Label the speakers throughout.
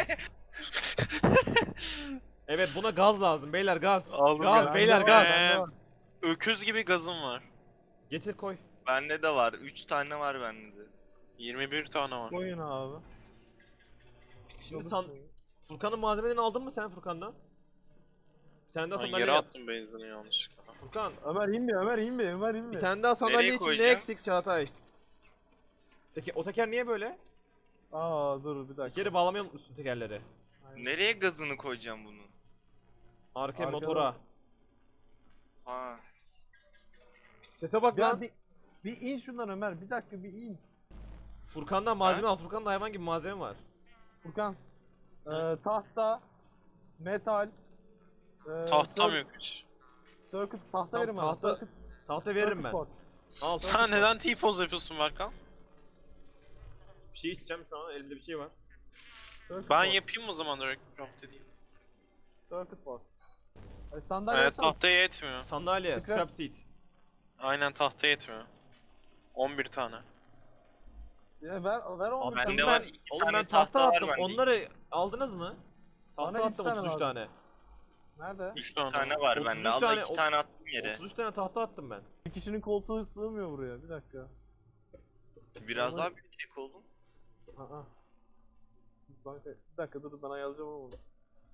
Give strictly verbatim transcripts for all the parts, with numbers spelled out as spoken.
Speaker 1: Evet, buna gaz lazım beyler, gaz.
Speaker 2: Aldım
Speaker 1: Gaz
Speaker 2: ya.
Speaker 1: beyler,
Speaker 3: Bende
Speaker 1: gaz.
Speaker 3: var.
Speaker 2: Ee, öküz gibi gazım var.
Speaker 1: Getir koy.
Speaker 3: Bende de var. üç tane var bende de.
Speaker 2: yirmi bir tane var.
Speaker 4: Koyun abi.
Speaker 1: Şimdi san Furkan'ın malzemelerini aldın mı sen Furkan'dan? Bir tane daha
Speaker 2: Ben
Speaker 1: sandalye
Speaker 2: yere
Speaker 1: yap.
Speaker 2: attım benzini yanlışlıkla.
Speaker 1: Furkan,
Speaker 4: Ömer in bir, Ömer in bir, Ömer in
Speaker 1: bir
Speaker 4: bir.
Speaker 1: tane daha sandalye
Speaker 3: Nereye
Speaker 1: için ne
Speaker 3: koyacağım?
Speaker 1: eksik Çağatay? Teke, o teker niye böyle?
Speaker 4: Aa dur bir dakika.
Speaker 1: Tekeri bağlamayı unutmuşsun tekerleri.
Speaker 3: Nereye gazını koyacağım bunun?
Speaker 1: Arkaya
Speaker 4: Arkada.
Speaker 1: motora.
Speaker 3: Ha.
Speaker 1: Sese bak
Speaker 4: Ya
Speaker 1: lan.
Speaker 4: bir, bir in şundan Ömer, bir dakika bir in.
Speaker 1: Furkan'dan malzeme al. Furkan'da hayvan gibi malzeme var.
Speaker 4: Furkan. Ee, tahta, metal, e,
Speaker 2: Tahtam
Speaker 4: cir-
Speaker 2: yok hiç.
Speaker 4: circuit, tahta
Speaker 1: Tamam,
Speaker 4: verin bana.
Speaker 1: tahta-
Speaker 4: Circuit,
Speaker 1: Tahta veririm
Speaker 4: circuit
Speaker 1: ben.
Speaker 4: board.
Speaker 1: Al.
Speaker 2: Sen neden T-pose yapıyorsun Berkan?
Speaker 1: Bir şey içeceğim şu an, elimde bir şey var.
Speaker 4: Circuit
Speaker 2: Ben
Speaker 4: board,
Speaker 2: yapayım o zaman direkt craft edeyim.
Speaker 4: Circuit board. Ay, sandalye
Speaker 2: Evet,
Speaker 4: yapsana.
Speaker 2: tahtaya yetmiyor.
Speaker 1: Sandalye,
Speaker 4: Scrap-
Speaker 1: scrap seat.
Speaker 2: Aynen tahtaya yetmiyor. on bir tane.
Speaker 4: Ya ver, ver onu.
Speaker 1: Abi
Speaker 3: Bende
Speaker 1: ben,
Speaker 3: var, iki
Speaker 1: oğlum
Speaker 3: tane
Speaker 1: ben tahta
Speaker 3: tahta var
Speaker 1: attım.
Speaker 3: bende.
Speaker 1: Onları aldınız mı?
Speaker 4: Bana
Speaker 1: Tahta
Speaker 4: üç
Speaker 1: attım
Speaker 4: tane
Speaker 1: otuz üç
Speaker 4: lazım.
Speaker 1: tane.
Speaker 4: Nerede?
Speaker 2: üç tane.
Speaker 3: Bir tane var
Speaker 1: otuz üç
Speaker 3: bende. Allah
Speaker 1: tane-
Speaker 3: iki tane attım yere.
Speaker 1: otuz üç tane tahta attım ben.
Speaker 4: Bir kişinin koltuğu sığmıyor buraya. Bir dakika.
Speaker 3: Biraz daha büyütecek oğlum.
Speaker 4: Aa. Bir dakika dur ben ayarlayacağım ama bunu.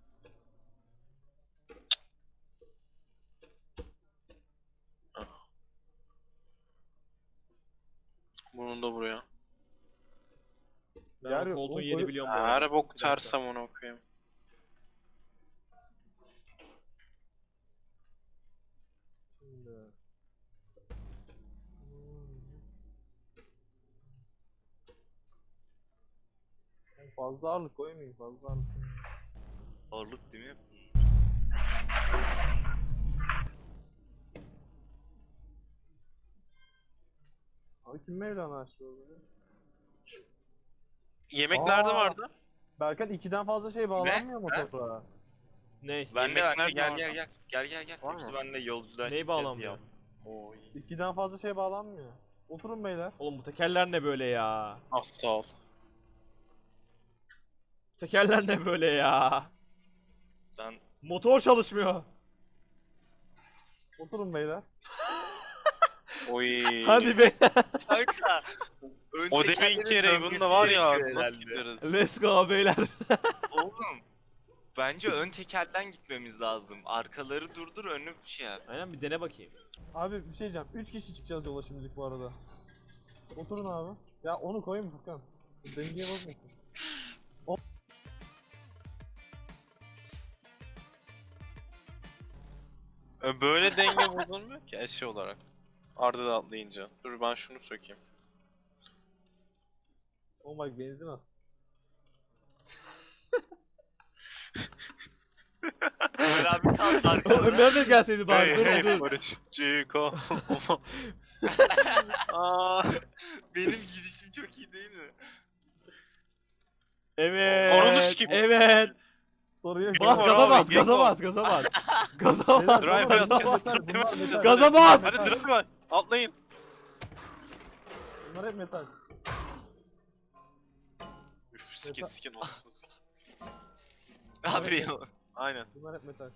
Speaker 2: Bunun da buraya.
Speaker 1: Ben
Speaker 4: Yer
Speaker 1: o
Speaker 4: yok,
Speaker 1: koltuğun
Speaker 4: oğlum,
Speaker 1: yerini
Speaker 4: koy-
Speaker 1: biliyorum bu arada.
Speaker 2: Her bok
Speaker 1: Bir dakika.
Speaker 2: ters amına okuyayım.
Speaker 4: Şimdi. Hmm. Fazla ağırlık koymayayım, fazla ağırlık koymayayım.
Speaker 3: Ağırlık değil mi?
Speaker 4: Abi kim Mevlana açtı orada?
Speaker 2: Yemeklerde
Speaker 4: Aa.
Speaker 2: vardı.
Speaker 4: Berkan ikiden fazla şey bağlanmıyor mu
Speaker 3: Ne?
Speaker 4: toprağa?
Speaker 1: Ney?
Speaker 3: Bende
Speaker 2: Yemekler
Speaker 3: bende gel
Speaker 2: var
Speaker 3: gel
Speaker 2: mı?
Speaker 3: gel. Gel gel gel.
Speaker 2: Var
Speaker 3: Hepsi
Speaker 2: mı?
Speaker 3: bende yolculuğa
Speaker 1: Ney
Speaker 3: çıkacağız
Speaker 1: bağlanmıyor?
Speaker 3: ya.
Speaker 2: Oy.
Speaker 4: İkiden fazla şey bağlanmıyor. Oturun beyler.
Speaker 1: Oğlum bu tekerler ne böyle ya?
Speaker 2: Az sağ ol.
Speaker 1: Tekerler ne böyle ya?
Speaker 3: Ben
Speaker 1: Motor çalışmıyor.
Speaker 4: Oturun beyler.
Speaker 2: Oy.
Speaker 1: Hadi be.
Speaker 3: kanka. ön
Speaker 2: O
Speaker 3: tekerlerin
Speaker 2: deminki yere
Speaker 3: dönmesi
Speaker 2: bunda var ya.
Speaker 3: gerekiyor
Speaker 2: Nasıl
Speaker 3: herhalde.
Speaker 2: gideriz?
Speaker 1: Let's go beyler.
Speaker 3: Oğlum. Bence ön tekerden gitmemiz lazım. Arkaları durdur, önü şey yap.
Speaker 1: Aynen, bir dene bakayım.
Speaker 4: Abi bir şey diyeceğim. Üç kişi çıkacağız yola şimdilik bu arada. Oturun abi. Ya onu koyun Furkan. Dengeye bozmayın.
Speaker 2: E, Böyle denge bozulmuyor ki eşya olarak. Arda da atlayınca. Dur ben şunu sökeyim.
Speaker 4: Oh my benzin az.
Speaker 3: Ömer abi kaldı
Speaker 1: Oğlum
Speaker 3: arkada.
Speaker 1: Ömer de gelseydi bari. Dur
Speaker 2: Hey,
Speaker 1: dur.
Speaker 2: barışçı kal. Aa,
Speaker 3: Benim gidişim çok iyi değil mi?
Speaker 2: Ananı
Speaker 1: Evet.
Speaker 2: sikeyim.
Speaker 1: Evet.
Speaker 4: Soru yok.
Speaker 1: Bas
Speaker 2: var
Speaker 1: gaza
Speaker 2: abi,
Speaker 1: bas,
Speaker 2: gel
Speaker 1: gaza
Speaker 2: bak.
Speaker 1: bas, gaza bas. Gaza bas.
Speaker 2: drive
Speaker 1: Gaza
Speaker 2: atacağız.
Speaker 1: bas.
Speaker 4: Bunlar
Speaker 2: drive atacağız.
Speaker 4: metal.
Speaker 1: Gaza bas!
Speaker 2: Hadi drive var. Atlayın.
Speaker 4: Bunlar hep metal.
Speaker 2: Üf skin skin olsun.
Speaker 3: Abi ya.
Speaker 2: Aynen.
Speaker 4: Bunlar hep metal.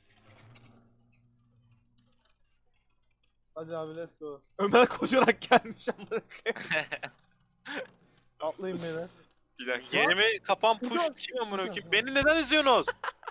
Speaker 4: Hadi abi let's go.
Speaker 1: Ömer koşarak gelmiş amına koyayım.
Speaker 4: Atlayın beyler.
Speaker 3: Bir dakika.
Speaker 2: Yerimi kapan push kim amına koyayım? Beni neden izliyorsunuz?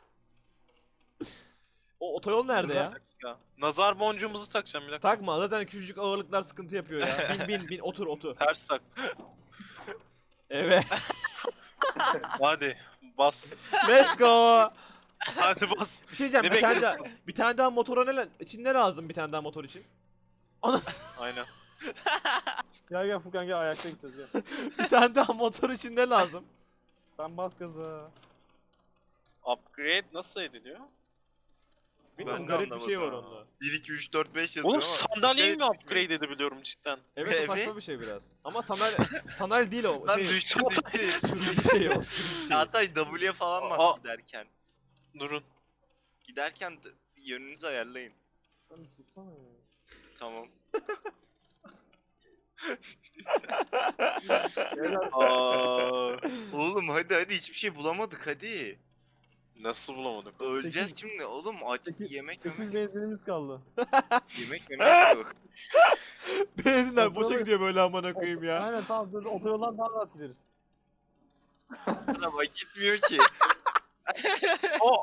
Speaker 1: O otoyol nerede ya?
Speaker 2: Ya, nazar boncuğumuzu takacağım bir dakika.
Speaker 1: Takma, zaten küçücük ağırlıklar sıkıntı yapıyor ya. Bin bin bin, otur otur.
Speaker 2: Ters tak.
Speaker 1: Evet.
Speaker 2: Hadi bas.
Speaker 1: Let's go.
Speaker 2: Hadi bas.
Speaker 1: Bir şey diyeceğim,
Speaker 2: Ne
Speaker 1: bir tane daha,
Speaker 2: bekliyorsun?
Speaker 1: bir tane daha motora ne, la- için ne lazım bir tane daha motor için? Ana,
Speaker 2: Aynen.
Speaker 4: Gel gel Furkan gel ayakta gideceğiz gel.
Speaker 1: bir tane daha motor için ne lazım?
Speaker 4: Ben bas gaza.
Speaker 2: Upgrade nasıl ediliyor?
Speaker 1: Bilmiyorum,
Speaker 3: Ben de
Speaker 1: garip bir şey var
Speaker 3: anlamadım.
Speaker 1: onda.
Speaker 3: bir iki üç dört beş yazıyor
Speaker 2: Oğlum
Speaker 3: ama.
Speaker 2: sandalyeyi mi
Speaker 3: Evet,
Speaker 2: upgrade edebiliyorum cidden?
Speaker 1: Evet, o
Speaker 3: Evet.
Speaker 1: saçma bir şey biraz. Ama sandalye, sandalye değil o.
Speaker 3: Lan
Speaker 1: Şey,
Speaker 3: düştü düştü.
Speaker 1: sürücü şey o, sürücü şey.
Speaker 3: Çağatay W'ye falan bas
Speaker 2: Aa.
Speaker 3: giderken.
Speaker 2: Durun.
Speaker 3: Giderken de yönünüzü ayarlayın.
Speaker 4: Sen bir sussana ya.
Speaker 3: Tamam.
Speaker 4: Beyler,
Speaker 2: Aa,
Speaker 3: Oğlum hadi hadi hiçbir şey bulamadık hadi.
Speaker 2: nasıl bulamadık?
Speaker 3: Öleceğiz
Speaker 4: Sekiz-
Speaker 3: şimdi oğlum aç
Speaker 4: sekiz-
Speaker 3: yemek
Speaker 4: sekiz
Speaker 3: yemek
Speaker 4: benzinimiz kaldı.
Speaker 3: yemek yemek yok.
Speaker 1: Benzinler boşa
Speaker 4: Otoyolu-
Speaker 1: gidiyor böyle amına koyayım ya.
Speaker 4: Aynen tamam dur otoyoldan daha rahat gideriz.
Speaker 3: Araba gitmiyor ki.
Speaker 2: O,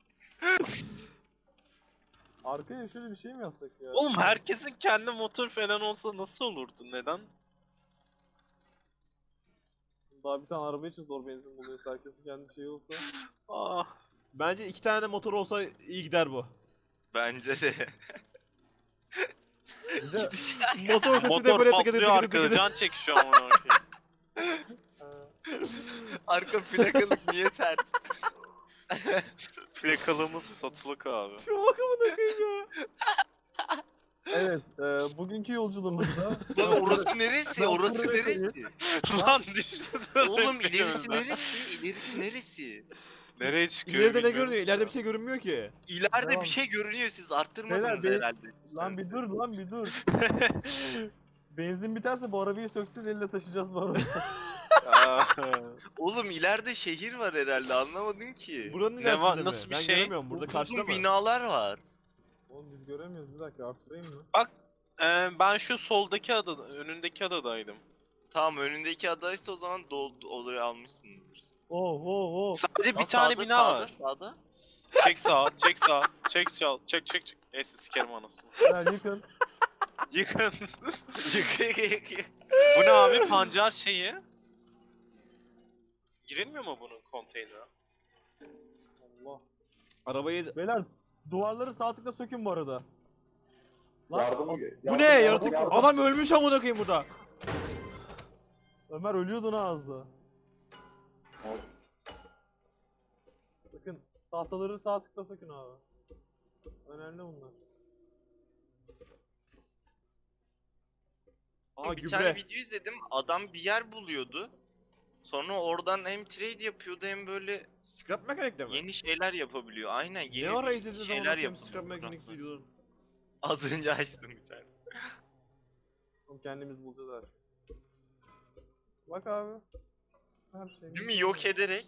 Speaker 4: Arkaya şöyle bir şey mi yazsak ya?
Speaker 2: oğlum herkesin kendi motor falan olsa nasıl olurdu? Neden?
Speaker 4: Daha bir tane araba için zor benzin buluyoruz. Herkesin kendi şeyi olsa.
Speaker 2: Ah.
Speaker 1: Bence iki tane motor olsa iyi gider bu.
Speaker 3: Bence de.
Speaker 4: Bir de
Speaker 1: Motor sesi de
Speaker 2: Motor
Speaker 1: böyle tıkı tıkı
Speaker 2: patlıyor
Speaker 1: tıkı
Speaker 2: arkada,
Speaker 1: tıkı.
Speaker 2: can çekişiyor amına koyayım.
Speaker 4: e,
Speaker 3: Arka plakalık niye ters?
Speaker 2: Plakalığımız satılık abi.
Speaker 1: Şu bak amına koyayım ya.
Speaker 4: evet, e, bugünkü yolculuğumuzda
Speaker 3: Lan orası neresi?
Speaker 4: Ben
Speaker 3: Orası
Speaker 4: buraya
Speaker 3: neresi?
Speaker 2: Lan düştü.
Speaker 3: Oğlum ilerisi neresi? İlerisi neresi?
Speaker 2: Nereye çıkıyor
Speaker 1: İleride ne
Speaker 2: bilmiyorum
Speaker 1: görünüyor?
Speaker 2: ki
Speaker 1: İleride
Speaker 2: ya.
Speaker 1: bir şey görünmüyor ki.
Speaker 3: İleride
Speaker 4: Tamam.
Speaker 3: bir şey görünüyor siz arttırmadınız
Speaker 4: Beyler, be-
Speaker 3: herhalde.
Speaker 4: lan bir dur lan bir dur. Benzin biterse bu arabayı sökeceğiz elle taşıyacağız bu arabayı.
Speaker 2: Aa.
Speaker 3: Oğlum ileride şehir var herhalde anlamadım ki.
Speaker 1: Buranın
Speaker 2: Ne
Speaker 1: ilerisinde
Speaker 2: var-
Speaker 1: mi?
Speaker 2: nasıl bir
Speaker 1: ben
Speaker 2: şey?
Speaker 1: göremiyorum. Burada karşıda
Speaker 3: Uzun
Speaker 1: mı?
Speaker 3: binalar var.
Speaker 4: Oğlum biz göremiyoruz bir dakika arttırayım mı?
Speaker 2: Ee, ben şu soldaki adada, önündeki adadaydım.
Speaker 3: Tamam önündeki adaysa o zaman doldu orayı almışsındır.
Speaker 4: Oh oh oh.
Speaker 2: Sadece bir
Speaker 3: Aa,
Speaker 2: tane
Speaker 3: sağda,
Speaker 2: bina
Speaker 3: sağda,
Speaker 2: var.
Speaker 3: Sağda.
Speaker 2: Çek sağa, çek sağa, çek sağa, çek çek çek. Neyse sikerim anasını.
Speaker 4: Beyler yıkın.
Speaker 2: Yıkın.
Speaker 3: Yık, yık, yık.
Speaker 2: Bu ne abi? Pancar şeyi. Girilmiyor mu bunun konteynere?
Speaker 4: Allah.
Speaker 1: Arabayı...
Speaker 4: Beyler duvarları sağ tıkla sökün bu arada. Lan,
Speaker 5: Yardım,
Speaker 1: Bu ne? Yaratık... Adam ölmüş amına koyayım burada.
Speaker 4: Ömer ölüyordu lan az da. Bakın tahtaları sağ tıkla sökün abi. Önemli bunlar.
Speaker 1: Aa
Speaker 3: bir tane
Speaker 1: gübre.
Speaker 3: video izledim. Adam bir yer buluyordu. Sonra oradan hem trade yapıyordu hem böyle
Speaker 1: Scrap mekanikte mi?
Speaker 3: yeni şeyler yapabiliyor. Aynen yeni
Speaker 1: Ne ara
Speaker 3: bir
Speaker 1: izlediniz amına
Speaker 3: şeyler
Speaker 1: koyayım
Speaker 3: yapıyor.
Speaker 1: scrap mekanik videoları?
Speaker 3: Az önce açtım bir tane.
Speaker 4: Oğlum kendimiz bulacağız her şeyi. Bak abi. Her şey.
Speaker 3: Değil mi? Yok ederek.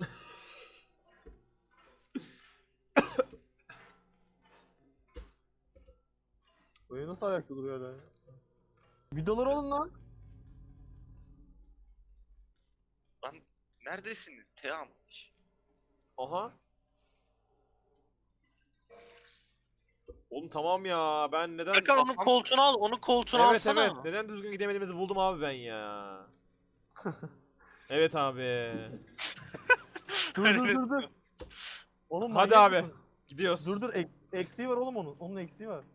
Speaker 4: Böyle nasıl ayakta duruyor öyle? Vidaları olun lan.
Speaker 3: Lan neredesiniz? Team.
Speaker 1: Aha. Oğlum tamam ya ben neden...
Speaker 2: Erkan onun
Speaker 3: kafam-
Speaker 2: koltuğunu al, onun koltuğunu
Speaker 1: Evet
Speaker 2: alsana.
Speaker 1: evet neden düzgün gidemediğimizi buldum abi ben ya. Evet abi.
Speaker 4: Dur dur dur dur. Oğlum
Speaker 1: Hadi
Speaker 4: manyak
Speaker 1: abi.
Speaker 4: mısın?
Speaker 1: Gidiyoruz.
Speaker 4: Dur dur eks- eksiği var oğlum onun. Onun eksiği var.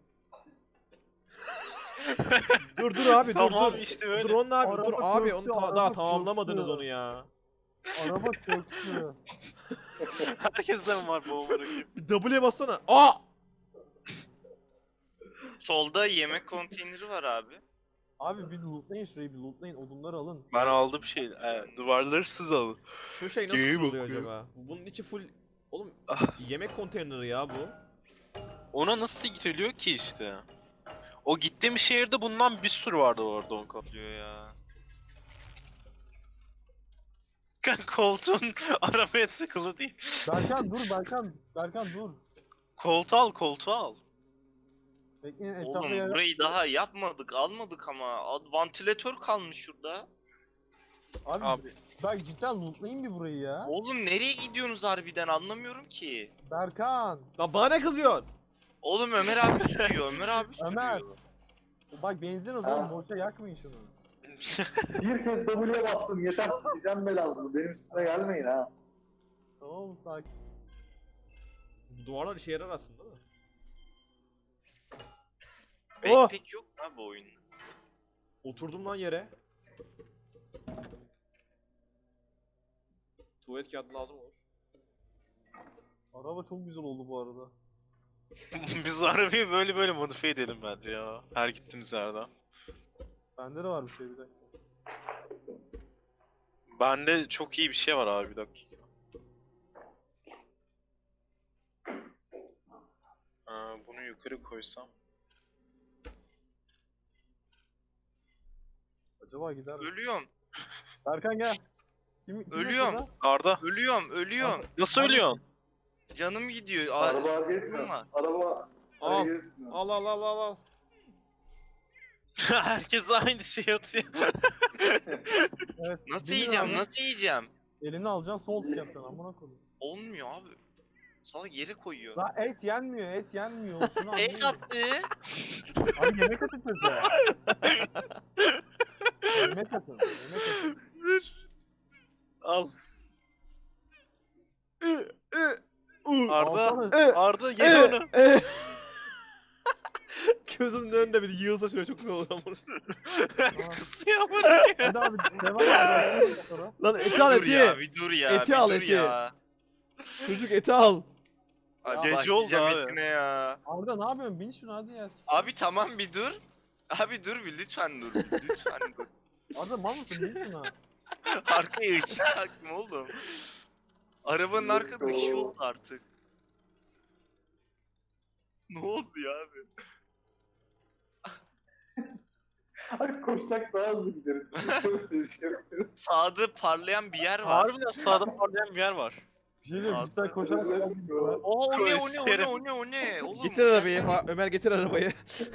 Speaker 1: dur dur abi dur
Speaker 2: Tamam
Speaker 1: dur.
Speaker 2: işte böyle.
Speaker 1: Dur onun abi
Speaker 4: Araba
Speaker 1: dur abi
Speaker 4: çöktü,
Speaker 1: onu ta-
Speaker 4: araba
Speaker 1: daha
Speaker 4: çöktü.
Speaker 1: tamamlamadınız onu ya.
Speaker 4: Araba çöktü.
Speaker 2: Herkeste mi var bu amına koyayım?
Speaker 1: Bir W'ye bassana. Aa!
Speaker 3: Solda yemek konteyneri var abi.
Speaker 4: Abi bir lootlayın şurayı bir lootlayın. Odunları alın.
Speaker 2: Ben aldım şey, e, duvarları siz alın.
Speaker 1: Şu şey nasıl
Speaker 2: İyi
Speaker 1: kuruluyor
Speaker 2: bakıyor.
Speaker 1: acaba? Bunun içi full... Oğlum
Speaker 2: Ah.
Speaker 1: yemek konteyneri ya bu.
Speaker 2: Ona nasıl giriliyor ki işte? O gittiğim şehirde bundan bir sürü vardı orada Onko.
Speaker 3: Diyor ya.
Speaker 2: Koltuğun arabaya tıkılı değil.
Speaker 4: Berkan dur Berkan. Berkan dur.
Speaker 2: Koltuğu al, koltuğu al.
Speaker 4: Bekleyin etrafta
Speaker 3: Oğlum
Speaker 4: yer...
Speaker 3: burayı daha yapmadık, almadık ama. Ad- Vantilatör kalmış şurada.
Speaker 4: Abi,
Speaker 2: Abi.
Speaker 4: Bak cidden lootlayın bir burayı ya.
Speaker 3: Oğlum nereye gidiyorsunuz harbiden anlamıyorum ki.
Speaker 4: Berkan.
Speaker 1: Lan bana ne kızıyorsun?
Speaker 3: Oğlum Ömer abi sürüyor, Ömer abi sürüyor.
Speaker 4: Ömer. Bak benzin az
Speaker 5: Ha.
Speaker 4: oğlum boşa yakmayın şunu.
Speaker 5: Bir kez W'ye bastım yeter. Gideceğim belalım. Benim üstüme gelmeyin ha.
Speaker 4: Tamam mı sakin.
Speaker 1: Bu duvarlar işe yarar aslında değil mi?
Speaker 3: Pek
Speaker 1: Oh!
Speaker 3: pek yok ha bu oyunda.
Speaker 1: Oturdum lan yere. Tuvalet kağıdı lazım olur.
Speaker 4: Araba çok güzel oldu bu arada.
Speaker 2: Biz arabayı böyle böyle modifiye edelim bence ya. Her gittiğimiz yerde.
Speaker 4: Bende de var bir şey bir dakika.
Speaker 2: Bende çok iyi bir şey var abi, bir dakika. Aa, bunu yukarı koysam.
Speaker 4: Acaba gider mi?
Speaker 3: Ölüyorum.
Speaker 4: Berkan gel. Kim, kim
Speaker 3: Ölüyorum.
Speaker 4: yok
Speaker 2: Arda.
Speaker 3: Ölüyorum. Ölüyorum.
Speaker 2: Nasıl ölüyorsun?
Speaker 3: Canım gidiyor. Aa,
Speaker 5: Araba
Speaker 3: sorunum
Speaker 5: geçmiyor.
Speaker 3: var.
Speaker 5: Araba
Speaker 1: Al.
Speaker 5: hareket etmiyor.
Speaker 1: Al al al al al.
Speaker 2: Herkes aynı şey atıyor.
Speaker 4: Evet.
Speaker 3: Nasıl
Speaker 4: Bilmiyorum
Speaker 3: yiyeceğim?
Speaker 4: abi.
Speaker 3: Nasıl yiyeceğim?
Speaker 4: Elini alacaksın sol tık yapacaksın amına koyayım.
Speaker 3: Olmuyor abi. Salak yere koyuyor.
Speaker 4: Lan et yenmiyor, et yenmiyor. Şunu
Speaker 3: Et
Speaker 4: anlayın.
Speaker 3: attı.
Speaker 4: Abi yemek atın çocuğa. Yemek atın, yemek atın.
Speaker 2: Al.
Speaker 1: Ü, ü, u.
Speaker 2: Arda.
Speaker 4: Alsana.
Speaker 2: Arda ye onu.
Speaker 1: E. Gözümün önünde bir yığılsa şöyle çok güzel olur ama.
Speaker 2: Kusuyor böyle.
Speaker 4: Hadi abi devam abi. Sonra.
Speaker 1: Lan eti al
Speaker 3: dur ya,
Speaker 1: eti.
Speaker 3: bir dur ya.
Speaker 1: Eti
Speaker 3: bir
Speaker 1: al,
Speaker 3: dur
Speaker 1: eti.
Speaker 3: Ya.
Speaker 1: Çocuk eti al.
Speaker 3: Abi
Speaker 2: Gece
Speaker 3: başlayacağım
Speaker 2: oldu abi.
Speaker 3: etine ya.
Speaker 4: Arda ne yapıyorsun? Bin şunu hadi ya.
Speaker 3: Abi tamam bir dur. Abi dur bir lütfen dur. bir, Lütfen dur.
Speaker 4: Arda mal mısın? Bin şunu.
Speaker 3: Arkaya ışık taktım oğlum. Arabanın arkada ışığı oldu artık. Ne oldu ya abi?
Speaker 5: Abi koşsak daha hızlı gideriz. Bir şey yok.
Speaker 3: Sağda parlayan bir yer var.
Speaker 2: Harbiden sağda parlayan bir yer var.
Speaker 4: Bir şey diyeyim. Cidden koşarak
Speaker 3: Oha o ne o ne o ne o ne o ne oğlum.
Speaker 1: Getir arabayı. Fa- Ömer getir arabayı.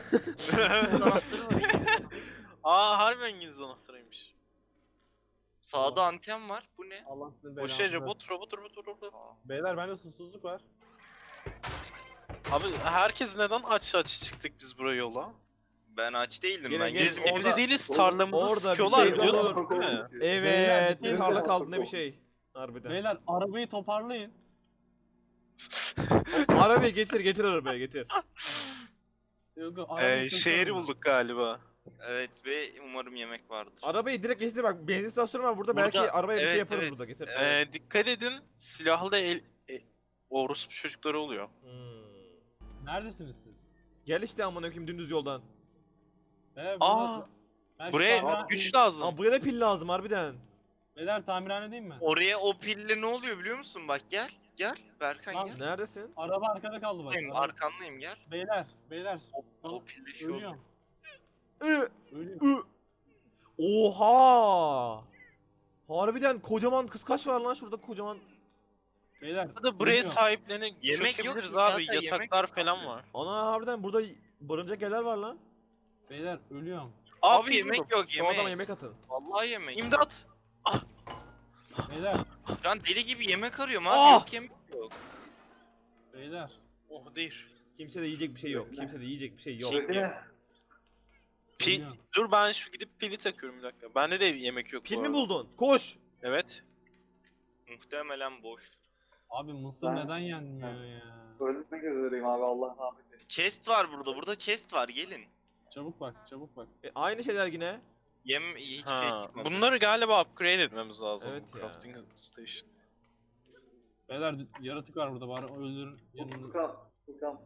Speaker 2: Aa harbiden İngiliz anahtarıymış.
Speaker 3: Sağda anten var. Bu ne?
Speaker 4: Allah sizin
Speaker 2: O
Speaker 4: belanızı.
Speaker 2: şey robot robot robot robot.
Speaker 4: Beyler bende susuzluk var.
Speaker 2: Abi herkes neden aç aç çıktık biz buraya yola?
Speaker 3: Ben aç değildim
Speaker 1: Gelin,
Speaker 3: ben.
Speaker 1: gelin.
Speaker 3: Gezdim.
Speaker 1: Orada-
Speaker 2: Evde değiliz tarlamızı
Speaker 1: orada bir
Speaker 2: sıkıyorlar
Speaker 1: şey
Speaker 2: biliyorsun
Speaker 1: olur.
Speaker 2: değil mi?
Speaker 1: Evet.
Speaker 4: Beyler,
Speaker 1: Bir tarla kaldı ne bir şey. Harbiden.
Speaker 4: Beyler arabayı toparlayın.
Speaker 1: Arabayı getir getir arabayı getir.
Speaker 4: Yok, yok, arabayı
Speaker 2: Ee,
Speaker 4: sürüyorum
Speaker 2: şehri
Speaker 4: ben.
Speaker 2: bulduk galiba.
Speaker 3: Evet ve umarım yemek vardır.
Speaker 1: Arabayı direkt getir bak benzin istasyonu var burada,
Speaker 3: Burada,
Speaker 1: belki arabaya bir
Speaker 3: evet,
Speaker 1: şey yaparız
Speaker 3: evet.
Speaker 1: burada getir.
Speaker 2: Ee, dikkat edin silahlı el... E, orospu çocukları oluyor.
Speaker 1: Hmm.
Speaker 4: Neredesiniz siz?
Speaker 1: Gel işte amına koyayım dümdüz yoldan.
Speaker 4: Beyler,
Speaker 2: Aa,
Speaker 4: burada- ben şu
Speaker 2: Buraya
Speaker 4: tamirhane-
Speaker 2: güç lazım.
Speaker 1: Aa buraya da pil lazım harbiden.
Speaker 4: Beyler tamirhane değil mi?
Speaker 3: Oraya o pille ne oluyor biliyor musun? Bak gel. Gel. Berkan
Speaker 4: Lan,
Speaker 3: gel.
Speaker 1: Neredesin?
Speaker 4: Araba arkada kaldı bak.
Speaker 3: Buradayım,
Speaker 4: Araba-
Speaker 3: arkandayım gel.
Speaker 4: Beyler, beyler.
Speaker 3: O pille şu oluyor.
Speaker 4: Ölüyorum.
Speaker 1: Ü,
Speaker 4: Ölüyorum.
Speaker 1: ü. Oha! Harbiden kocaman kıskaç var lan şurada kocaman.
Speaker 4: Beyler.
Speaker 2: Ya da buraya
Speaker 4: ölüyorum.
Speaker 2: sahiplenip
Speaker 3: Yemek yok
Speaker 2: çökebiliriz
Speaker 3: ki
Speaker 2: abi.
Speaker 3: zaten, yemek
Speaker 2: Yataklar
Speaker 3: yok
Speaker 2: falan
Speaker 3: abi.
Speaker 2: var.
Speaker 1: Ana harbiden burada barınacak yerler var lan.
Speaker 4: Beyler ölüyorum.
Speaker 3: Abi
Speaker 2: pil
Speaker 3: yemek
Speaker 2: buldum.
Speaker 3: yok
Speaker 1: Şu adama
Speaker 3: yemek.
Speaker 1: yemek atın.
Speaker 3: Vallahi yemek. yok.
Speaker 2: İmdat!
Speaker 4: Beyler,
Speaker 3: Şu an deli gibi yemek arıyorum abi.
Speaker 1: Ah!
Speaker 3: Yok yemek yok.
Speaker 4: beyler.
Speaker 2: Oh değil.
Speaker 1: Kimse de yiyecek bir şey yok. Kimse de yiyecek bir şey yok.
Speaker 2: Şey-
Speaker 5: Bekle.
Speaker 2: Pil...
Speaker 4: Ölüyorum.
Speaker 2: Dur ben şu gidip pili takıyorum bir dakika. Bende de yemek yok
Speaker 1: Pil
Speaker 2: bu
Speaker 1: mi
Speaker 2: arada.
Speaker 1: buldun? Koş.
Speaker 2: Evet.
Speaker 3: Muhtemelen boştur.
Speaker 4: Abi mısır
Speaker 5: Ben-
Speaker 4: neden yenmiyor ya?
Speaker 5: Ölmek üzereyim abi Allah rahmet eylesin.
Speaker 3: Chest var burada. Burada chest var. Gelin.
Speaker 4: Çabuk bak, çabuk bak.
Speaker 1: E, aynı şeyler yine.
Speaker 3: Yem hiç şey
Speaker 2: Ha,
Speaker 3: çıkmadı.
Speaker 2: bunları galiba upgrade etmemiz lazım.
Speaker 1: Evet ya.
Speaker 2: Crafting station.
Speaker 4: Beyler yaratık var burada bari öldürün yanında.
Speaker 5: Furkan, Furkan.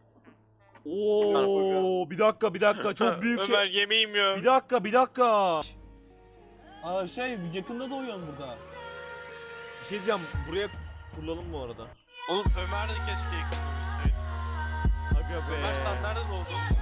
Speaker 1: Oo, bir dakika bir dakika çok büyük şey.
Speaker 2: Ömer yemeğim ya.
Speaker 1: Bir dakika bir dakika.
Speaker 4: Aa şey yakında doğuyorsun burada.
Speaker 1: Bir şey diyeceğim, buraya kurulalım bu arada.
Speaker 2: Oğlum Ömer de keşke yakalamışsaydı.
Speaker 1: Aga
Speaker 2: Ömer sen nerede doğdun?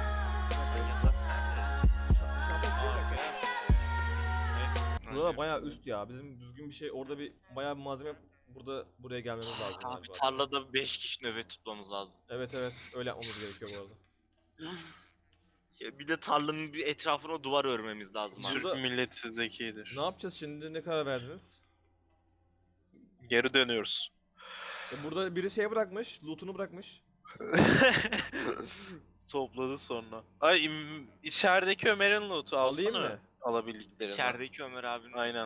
Speaker 1: Burada bayağı üst ya. Bizim düzgün bir şey, orada bir bayağı bir malzeme burada buraya gelmemiz lazım
Speaker 3: Abi
Speaker 1: galiba.
Speaker 3: tarlada beş kişi nöbet tutmamız lazım.
Speaker 1: Evet evet, öyle yapmamız gerekiyor bu arada.
Speaker 3: Ya bir de tarlanın bir etrafına duvar örmemiz lazım abi.
Speaker 2: Türk
Speaker 1: Burada-
Speaker 2: milleti zekidir.
Speaker 1: Ne yapacağız şimdi? Ne karar verdiniz?
Speaker 2: Geri dönüyoruz.
Speaker 1: E, burada biri şey bırakmış, loot'unu bırakmış.
Speaker 2: Topladı sonra. Ay im- içerideki Ömer'in loot'u alsana.
Speaker 1: Alayım mı?
Speaker 2: Alabildiklerini.
Speaker 3: İçerideki Ömer abinin.
Speaker 2: Aynen.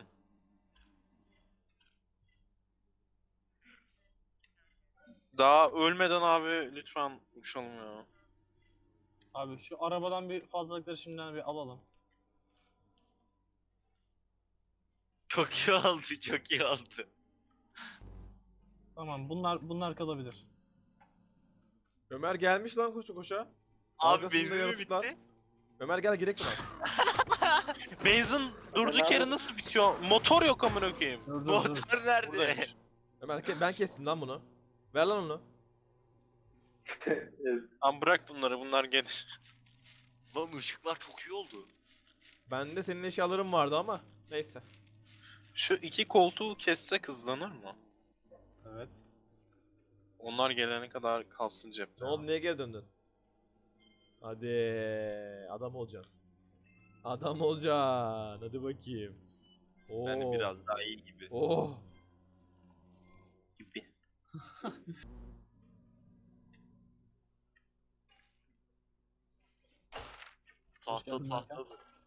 Speaker 2: Daha ölmeden abi lütfen uçalım ya.
Speaker 4: Abi şu arabadan bir fazlalıkları şimdiden bir alalım.
Speaker 3: Çok iyi oldu, çok iyi oldu.
Speaker 4: Tamam bunlar bunlar kalabilir.
Speaker 1: Ömer gelmiş lan koşa koşa.
Speaker 3: Abi
Speaker 1: Arkasında
Speaker 3: benzin mi
Speaker 1: yaratıklar.
Speaker 3: bitti?
Speaker 1: Ömer gel girek buna.
Speaker 2: Benzin durduk yere nasıl bitiyor? Motor yok amına koyayım.
Speaker 4: Dur dur dur.
Speaker 3: Motor nerede?
Speaker 2: Buradaymış.
Speaker 1: Ömer ke- ben kestim lan bunu. Ver lan onu.
Speaker 2: Lan bırak bunları bunlar gelir.
Speaker 3: Lan ışıklar çok iyi oldu.
Speaker 1: Bende senin eşyaların vardı ama neyse.
Speaker 2: Şu iki koltuğu kessek hızlanır mı?
Speaker 4: Evet.
Speaker 2: Onlar gelene kadar kalsın cepte.
Speaker 1: Ne oldu, niye geri döndün? Hadi adam olacaksın. Adam olacaksın. Hadi bakayım. Oo.
Speaker 3: Yani biraz daha iyi gibi.
Speaker 1: Oh.
Speaker 2: Gibi.
Speaker 3: Tahta
Speaker 4: geldin
Speaker 3: tahta.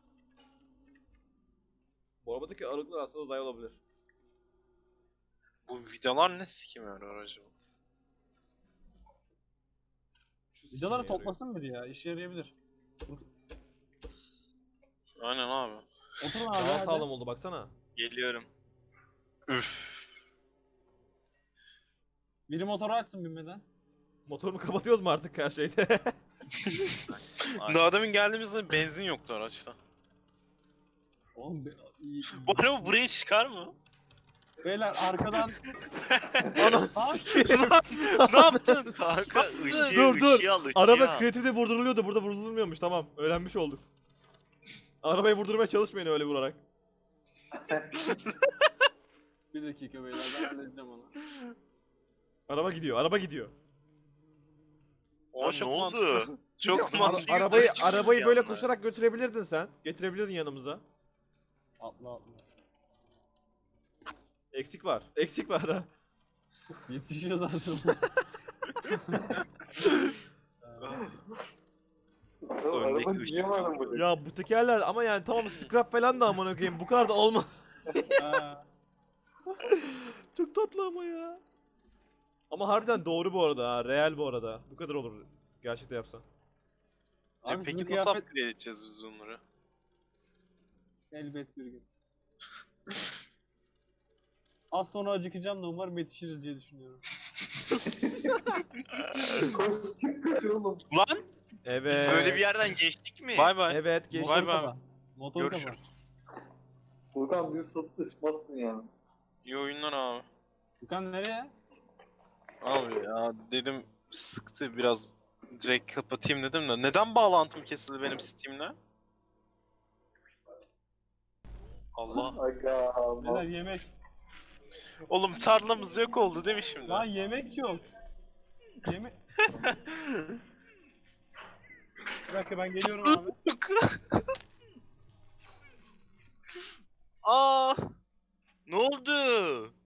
Speaker 1: Bu arabadaki aralıklar aslında uzay olabilir.
Speaker 2: Bu vidalar ne sikim yarıyor acaba?
Speaker 1: Şu
Speaker 4: Vidaları
Speaker 1: sikime yarıyor.
Speaker 4: toplasın biri ya. İşe yarayabilir.
Speaker 2: Aynen abi.
Speaker 4: Oturun abi.
Speaker 1: Daha
Speaker 4: hadi.
Speaker 1: sağlam oldu baksana.
Speaker 3: Geliyorum.
Speaker 2: Üf.
Speaker 4: Biri motoru açsın binmeden.
Speaker 1: Motorumu kapatıyoruz mu artık her şeyde?
Speaker 3: Ay.
Speaker 2: Daha demin geldiğimizde benzin yoktu araçta.
Speaker 4: Oğlum be, iyi.
Speaker 2: Bu araba buraya çıkar mı?
Speaker 4: Beyler arkadan
Speaker 1: Ana
Speaker 4: Ha?
Speaker 1: sikeyim.
Speaker 2: Ne yaptın?
Speaker 3: Kanka ışığı
Speaker 1: Dur, dur.
Speaker 3: ışığı al ışığı
Speaker 1: Araba
Speaker 3: al.
Speaker 1: kreatifte vurduruluyordu, burada vurdurulmuyormuş, tamam. Öğrenmiş olduk. Arabayı vurdurmaya çalışmayın öyle vurarak.
Speaker 4: bir dakika beyler ben halledeceğim onu.
Speaker 1: Araba gidiyor, araba gidiyor.
Speaker 2: O
Speaker 3: Lan
Speaker 2: çok
Speaker 3: ne oldu?
Speaker 2: mantıklı. Çok
Speaker 1: Ara-
Speaker 2: mantıklı.
Speaker 3: Yukarı
Speaker 1: arabayı
Speaker 3: çıkıyor
Speaker 1: arabayı
Speaker 3: bir
Speaker 1: böyle
Speaker 3: anda.
Speaker 1: koşarak götürebilirdin sen. Getirebilirdin yanımıza.
Speaker 4: Atla atla.
Speaker 1: Eksik var. Eksik var ha.
Speaker 4: Yetişiyor zaten.
Speaker 5: Araba
Speaker 3: ışık
Speaker 5: niye var bu?
Speaker 1: Ya bu tekerler ama yani tamam scrap falan da amına koyayım bu kadar da olmaz.
Speaker 4: Ha.
Speaker 1: Çok tatlı ama ya. Ama harbiden doğru bu arada ha. Real bu arada. Bu kadar olur gerçekten yapsan.
Speaker 2: E
Speaker 4: Abi sizin
Speaker 2: peki nasıl
Speaker 4: kıyafet
Speaker 2: upgrade edeceğiz biz bunları?
Speaker 4: elbet bir gün. Az sonra acıkacağım da umarım yetişiriz diye düşünüyorum.
Speaker 5: Koş çık kaç oğlum.
Speaker 2: Lan!
Speaker 1: Evet.
Speaker 3: Biz böyle bir yerden geçtik mi?
Speaker 2: Bay bay.
Speaker 1: Evet geç.
Speaker 2: Vay
Speaker 4: Motoru
Speaker 2: be.
Speaker 4: kapa. Motoru kapa.
Speaker 2: Görüşürüz.
Speaker 5: Furkan bir satışmasın yani.
Speaker 2: İyi oyunlar abi.
Speaker 4: Furkan nereye?
Speaker 2: Abi ya dedim sıktı biraz direkt kapatayım dedim de neden bağlantım kesildi benim Steam'le? Allah.
Speaker 5: Aga.
Speaker 4: Beyler yemek.
Speaker 2: Oğlum tarlamız yok oldu değil mi şimdi?
Speaker 4: Lan yemek yok. Yemek. Bir dakika ben geliyorum abi.
Speaker 2: Aa!
Speaker 3: Ne oldu?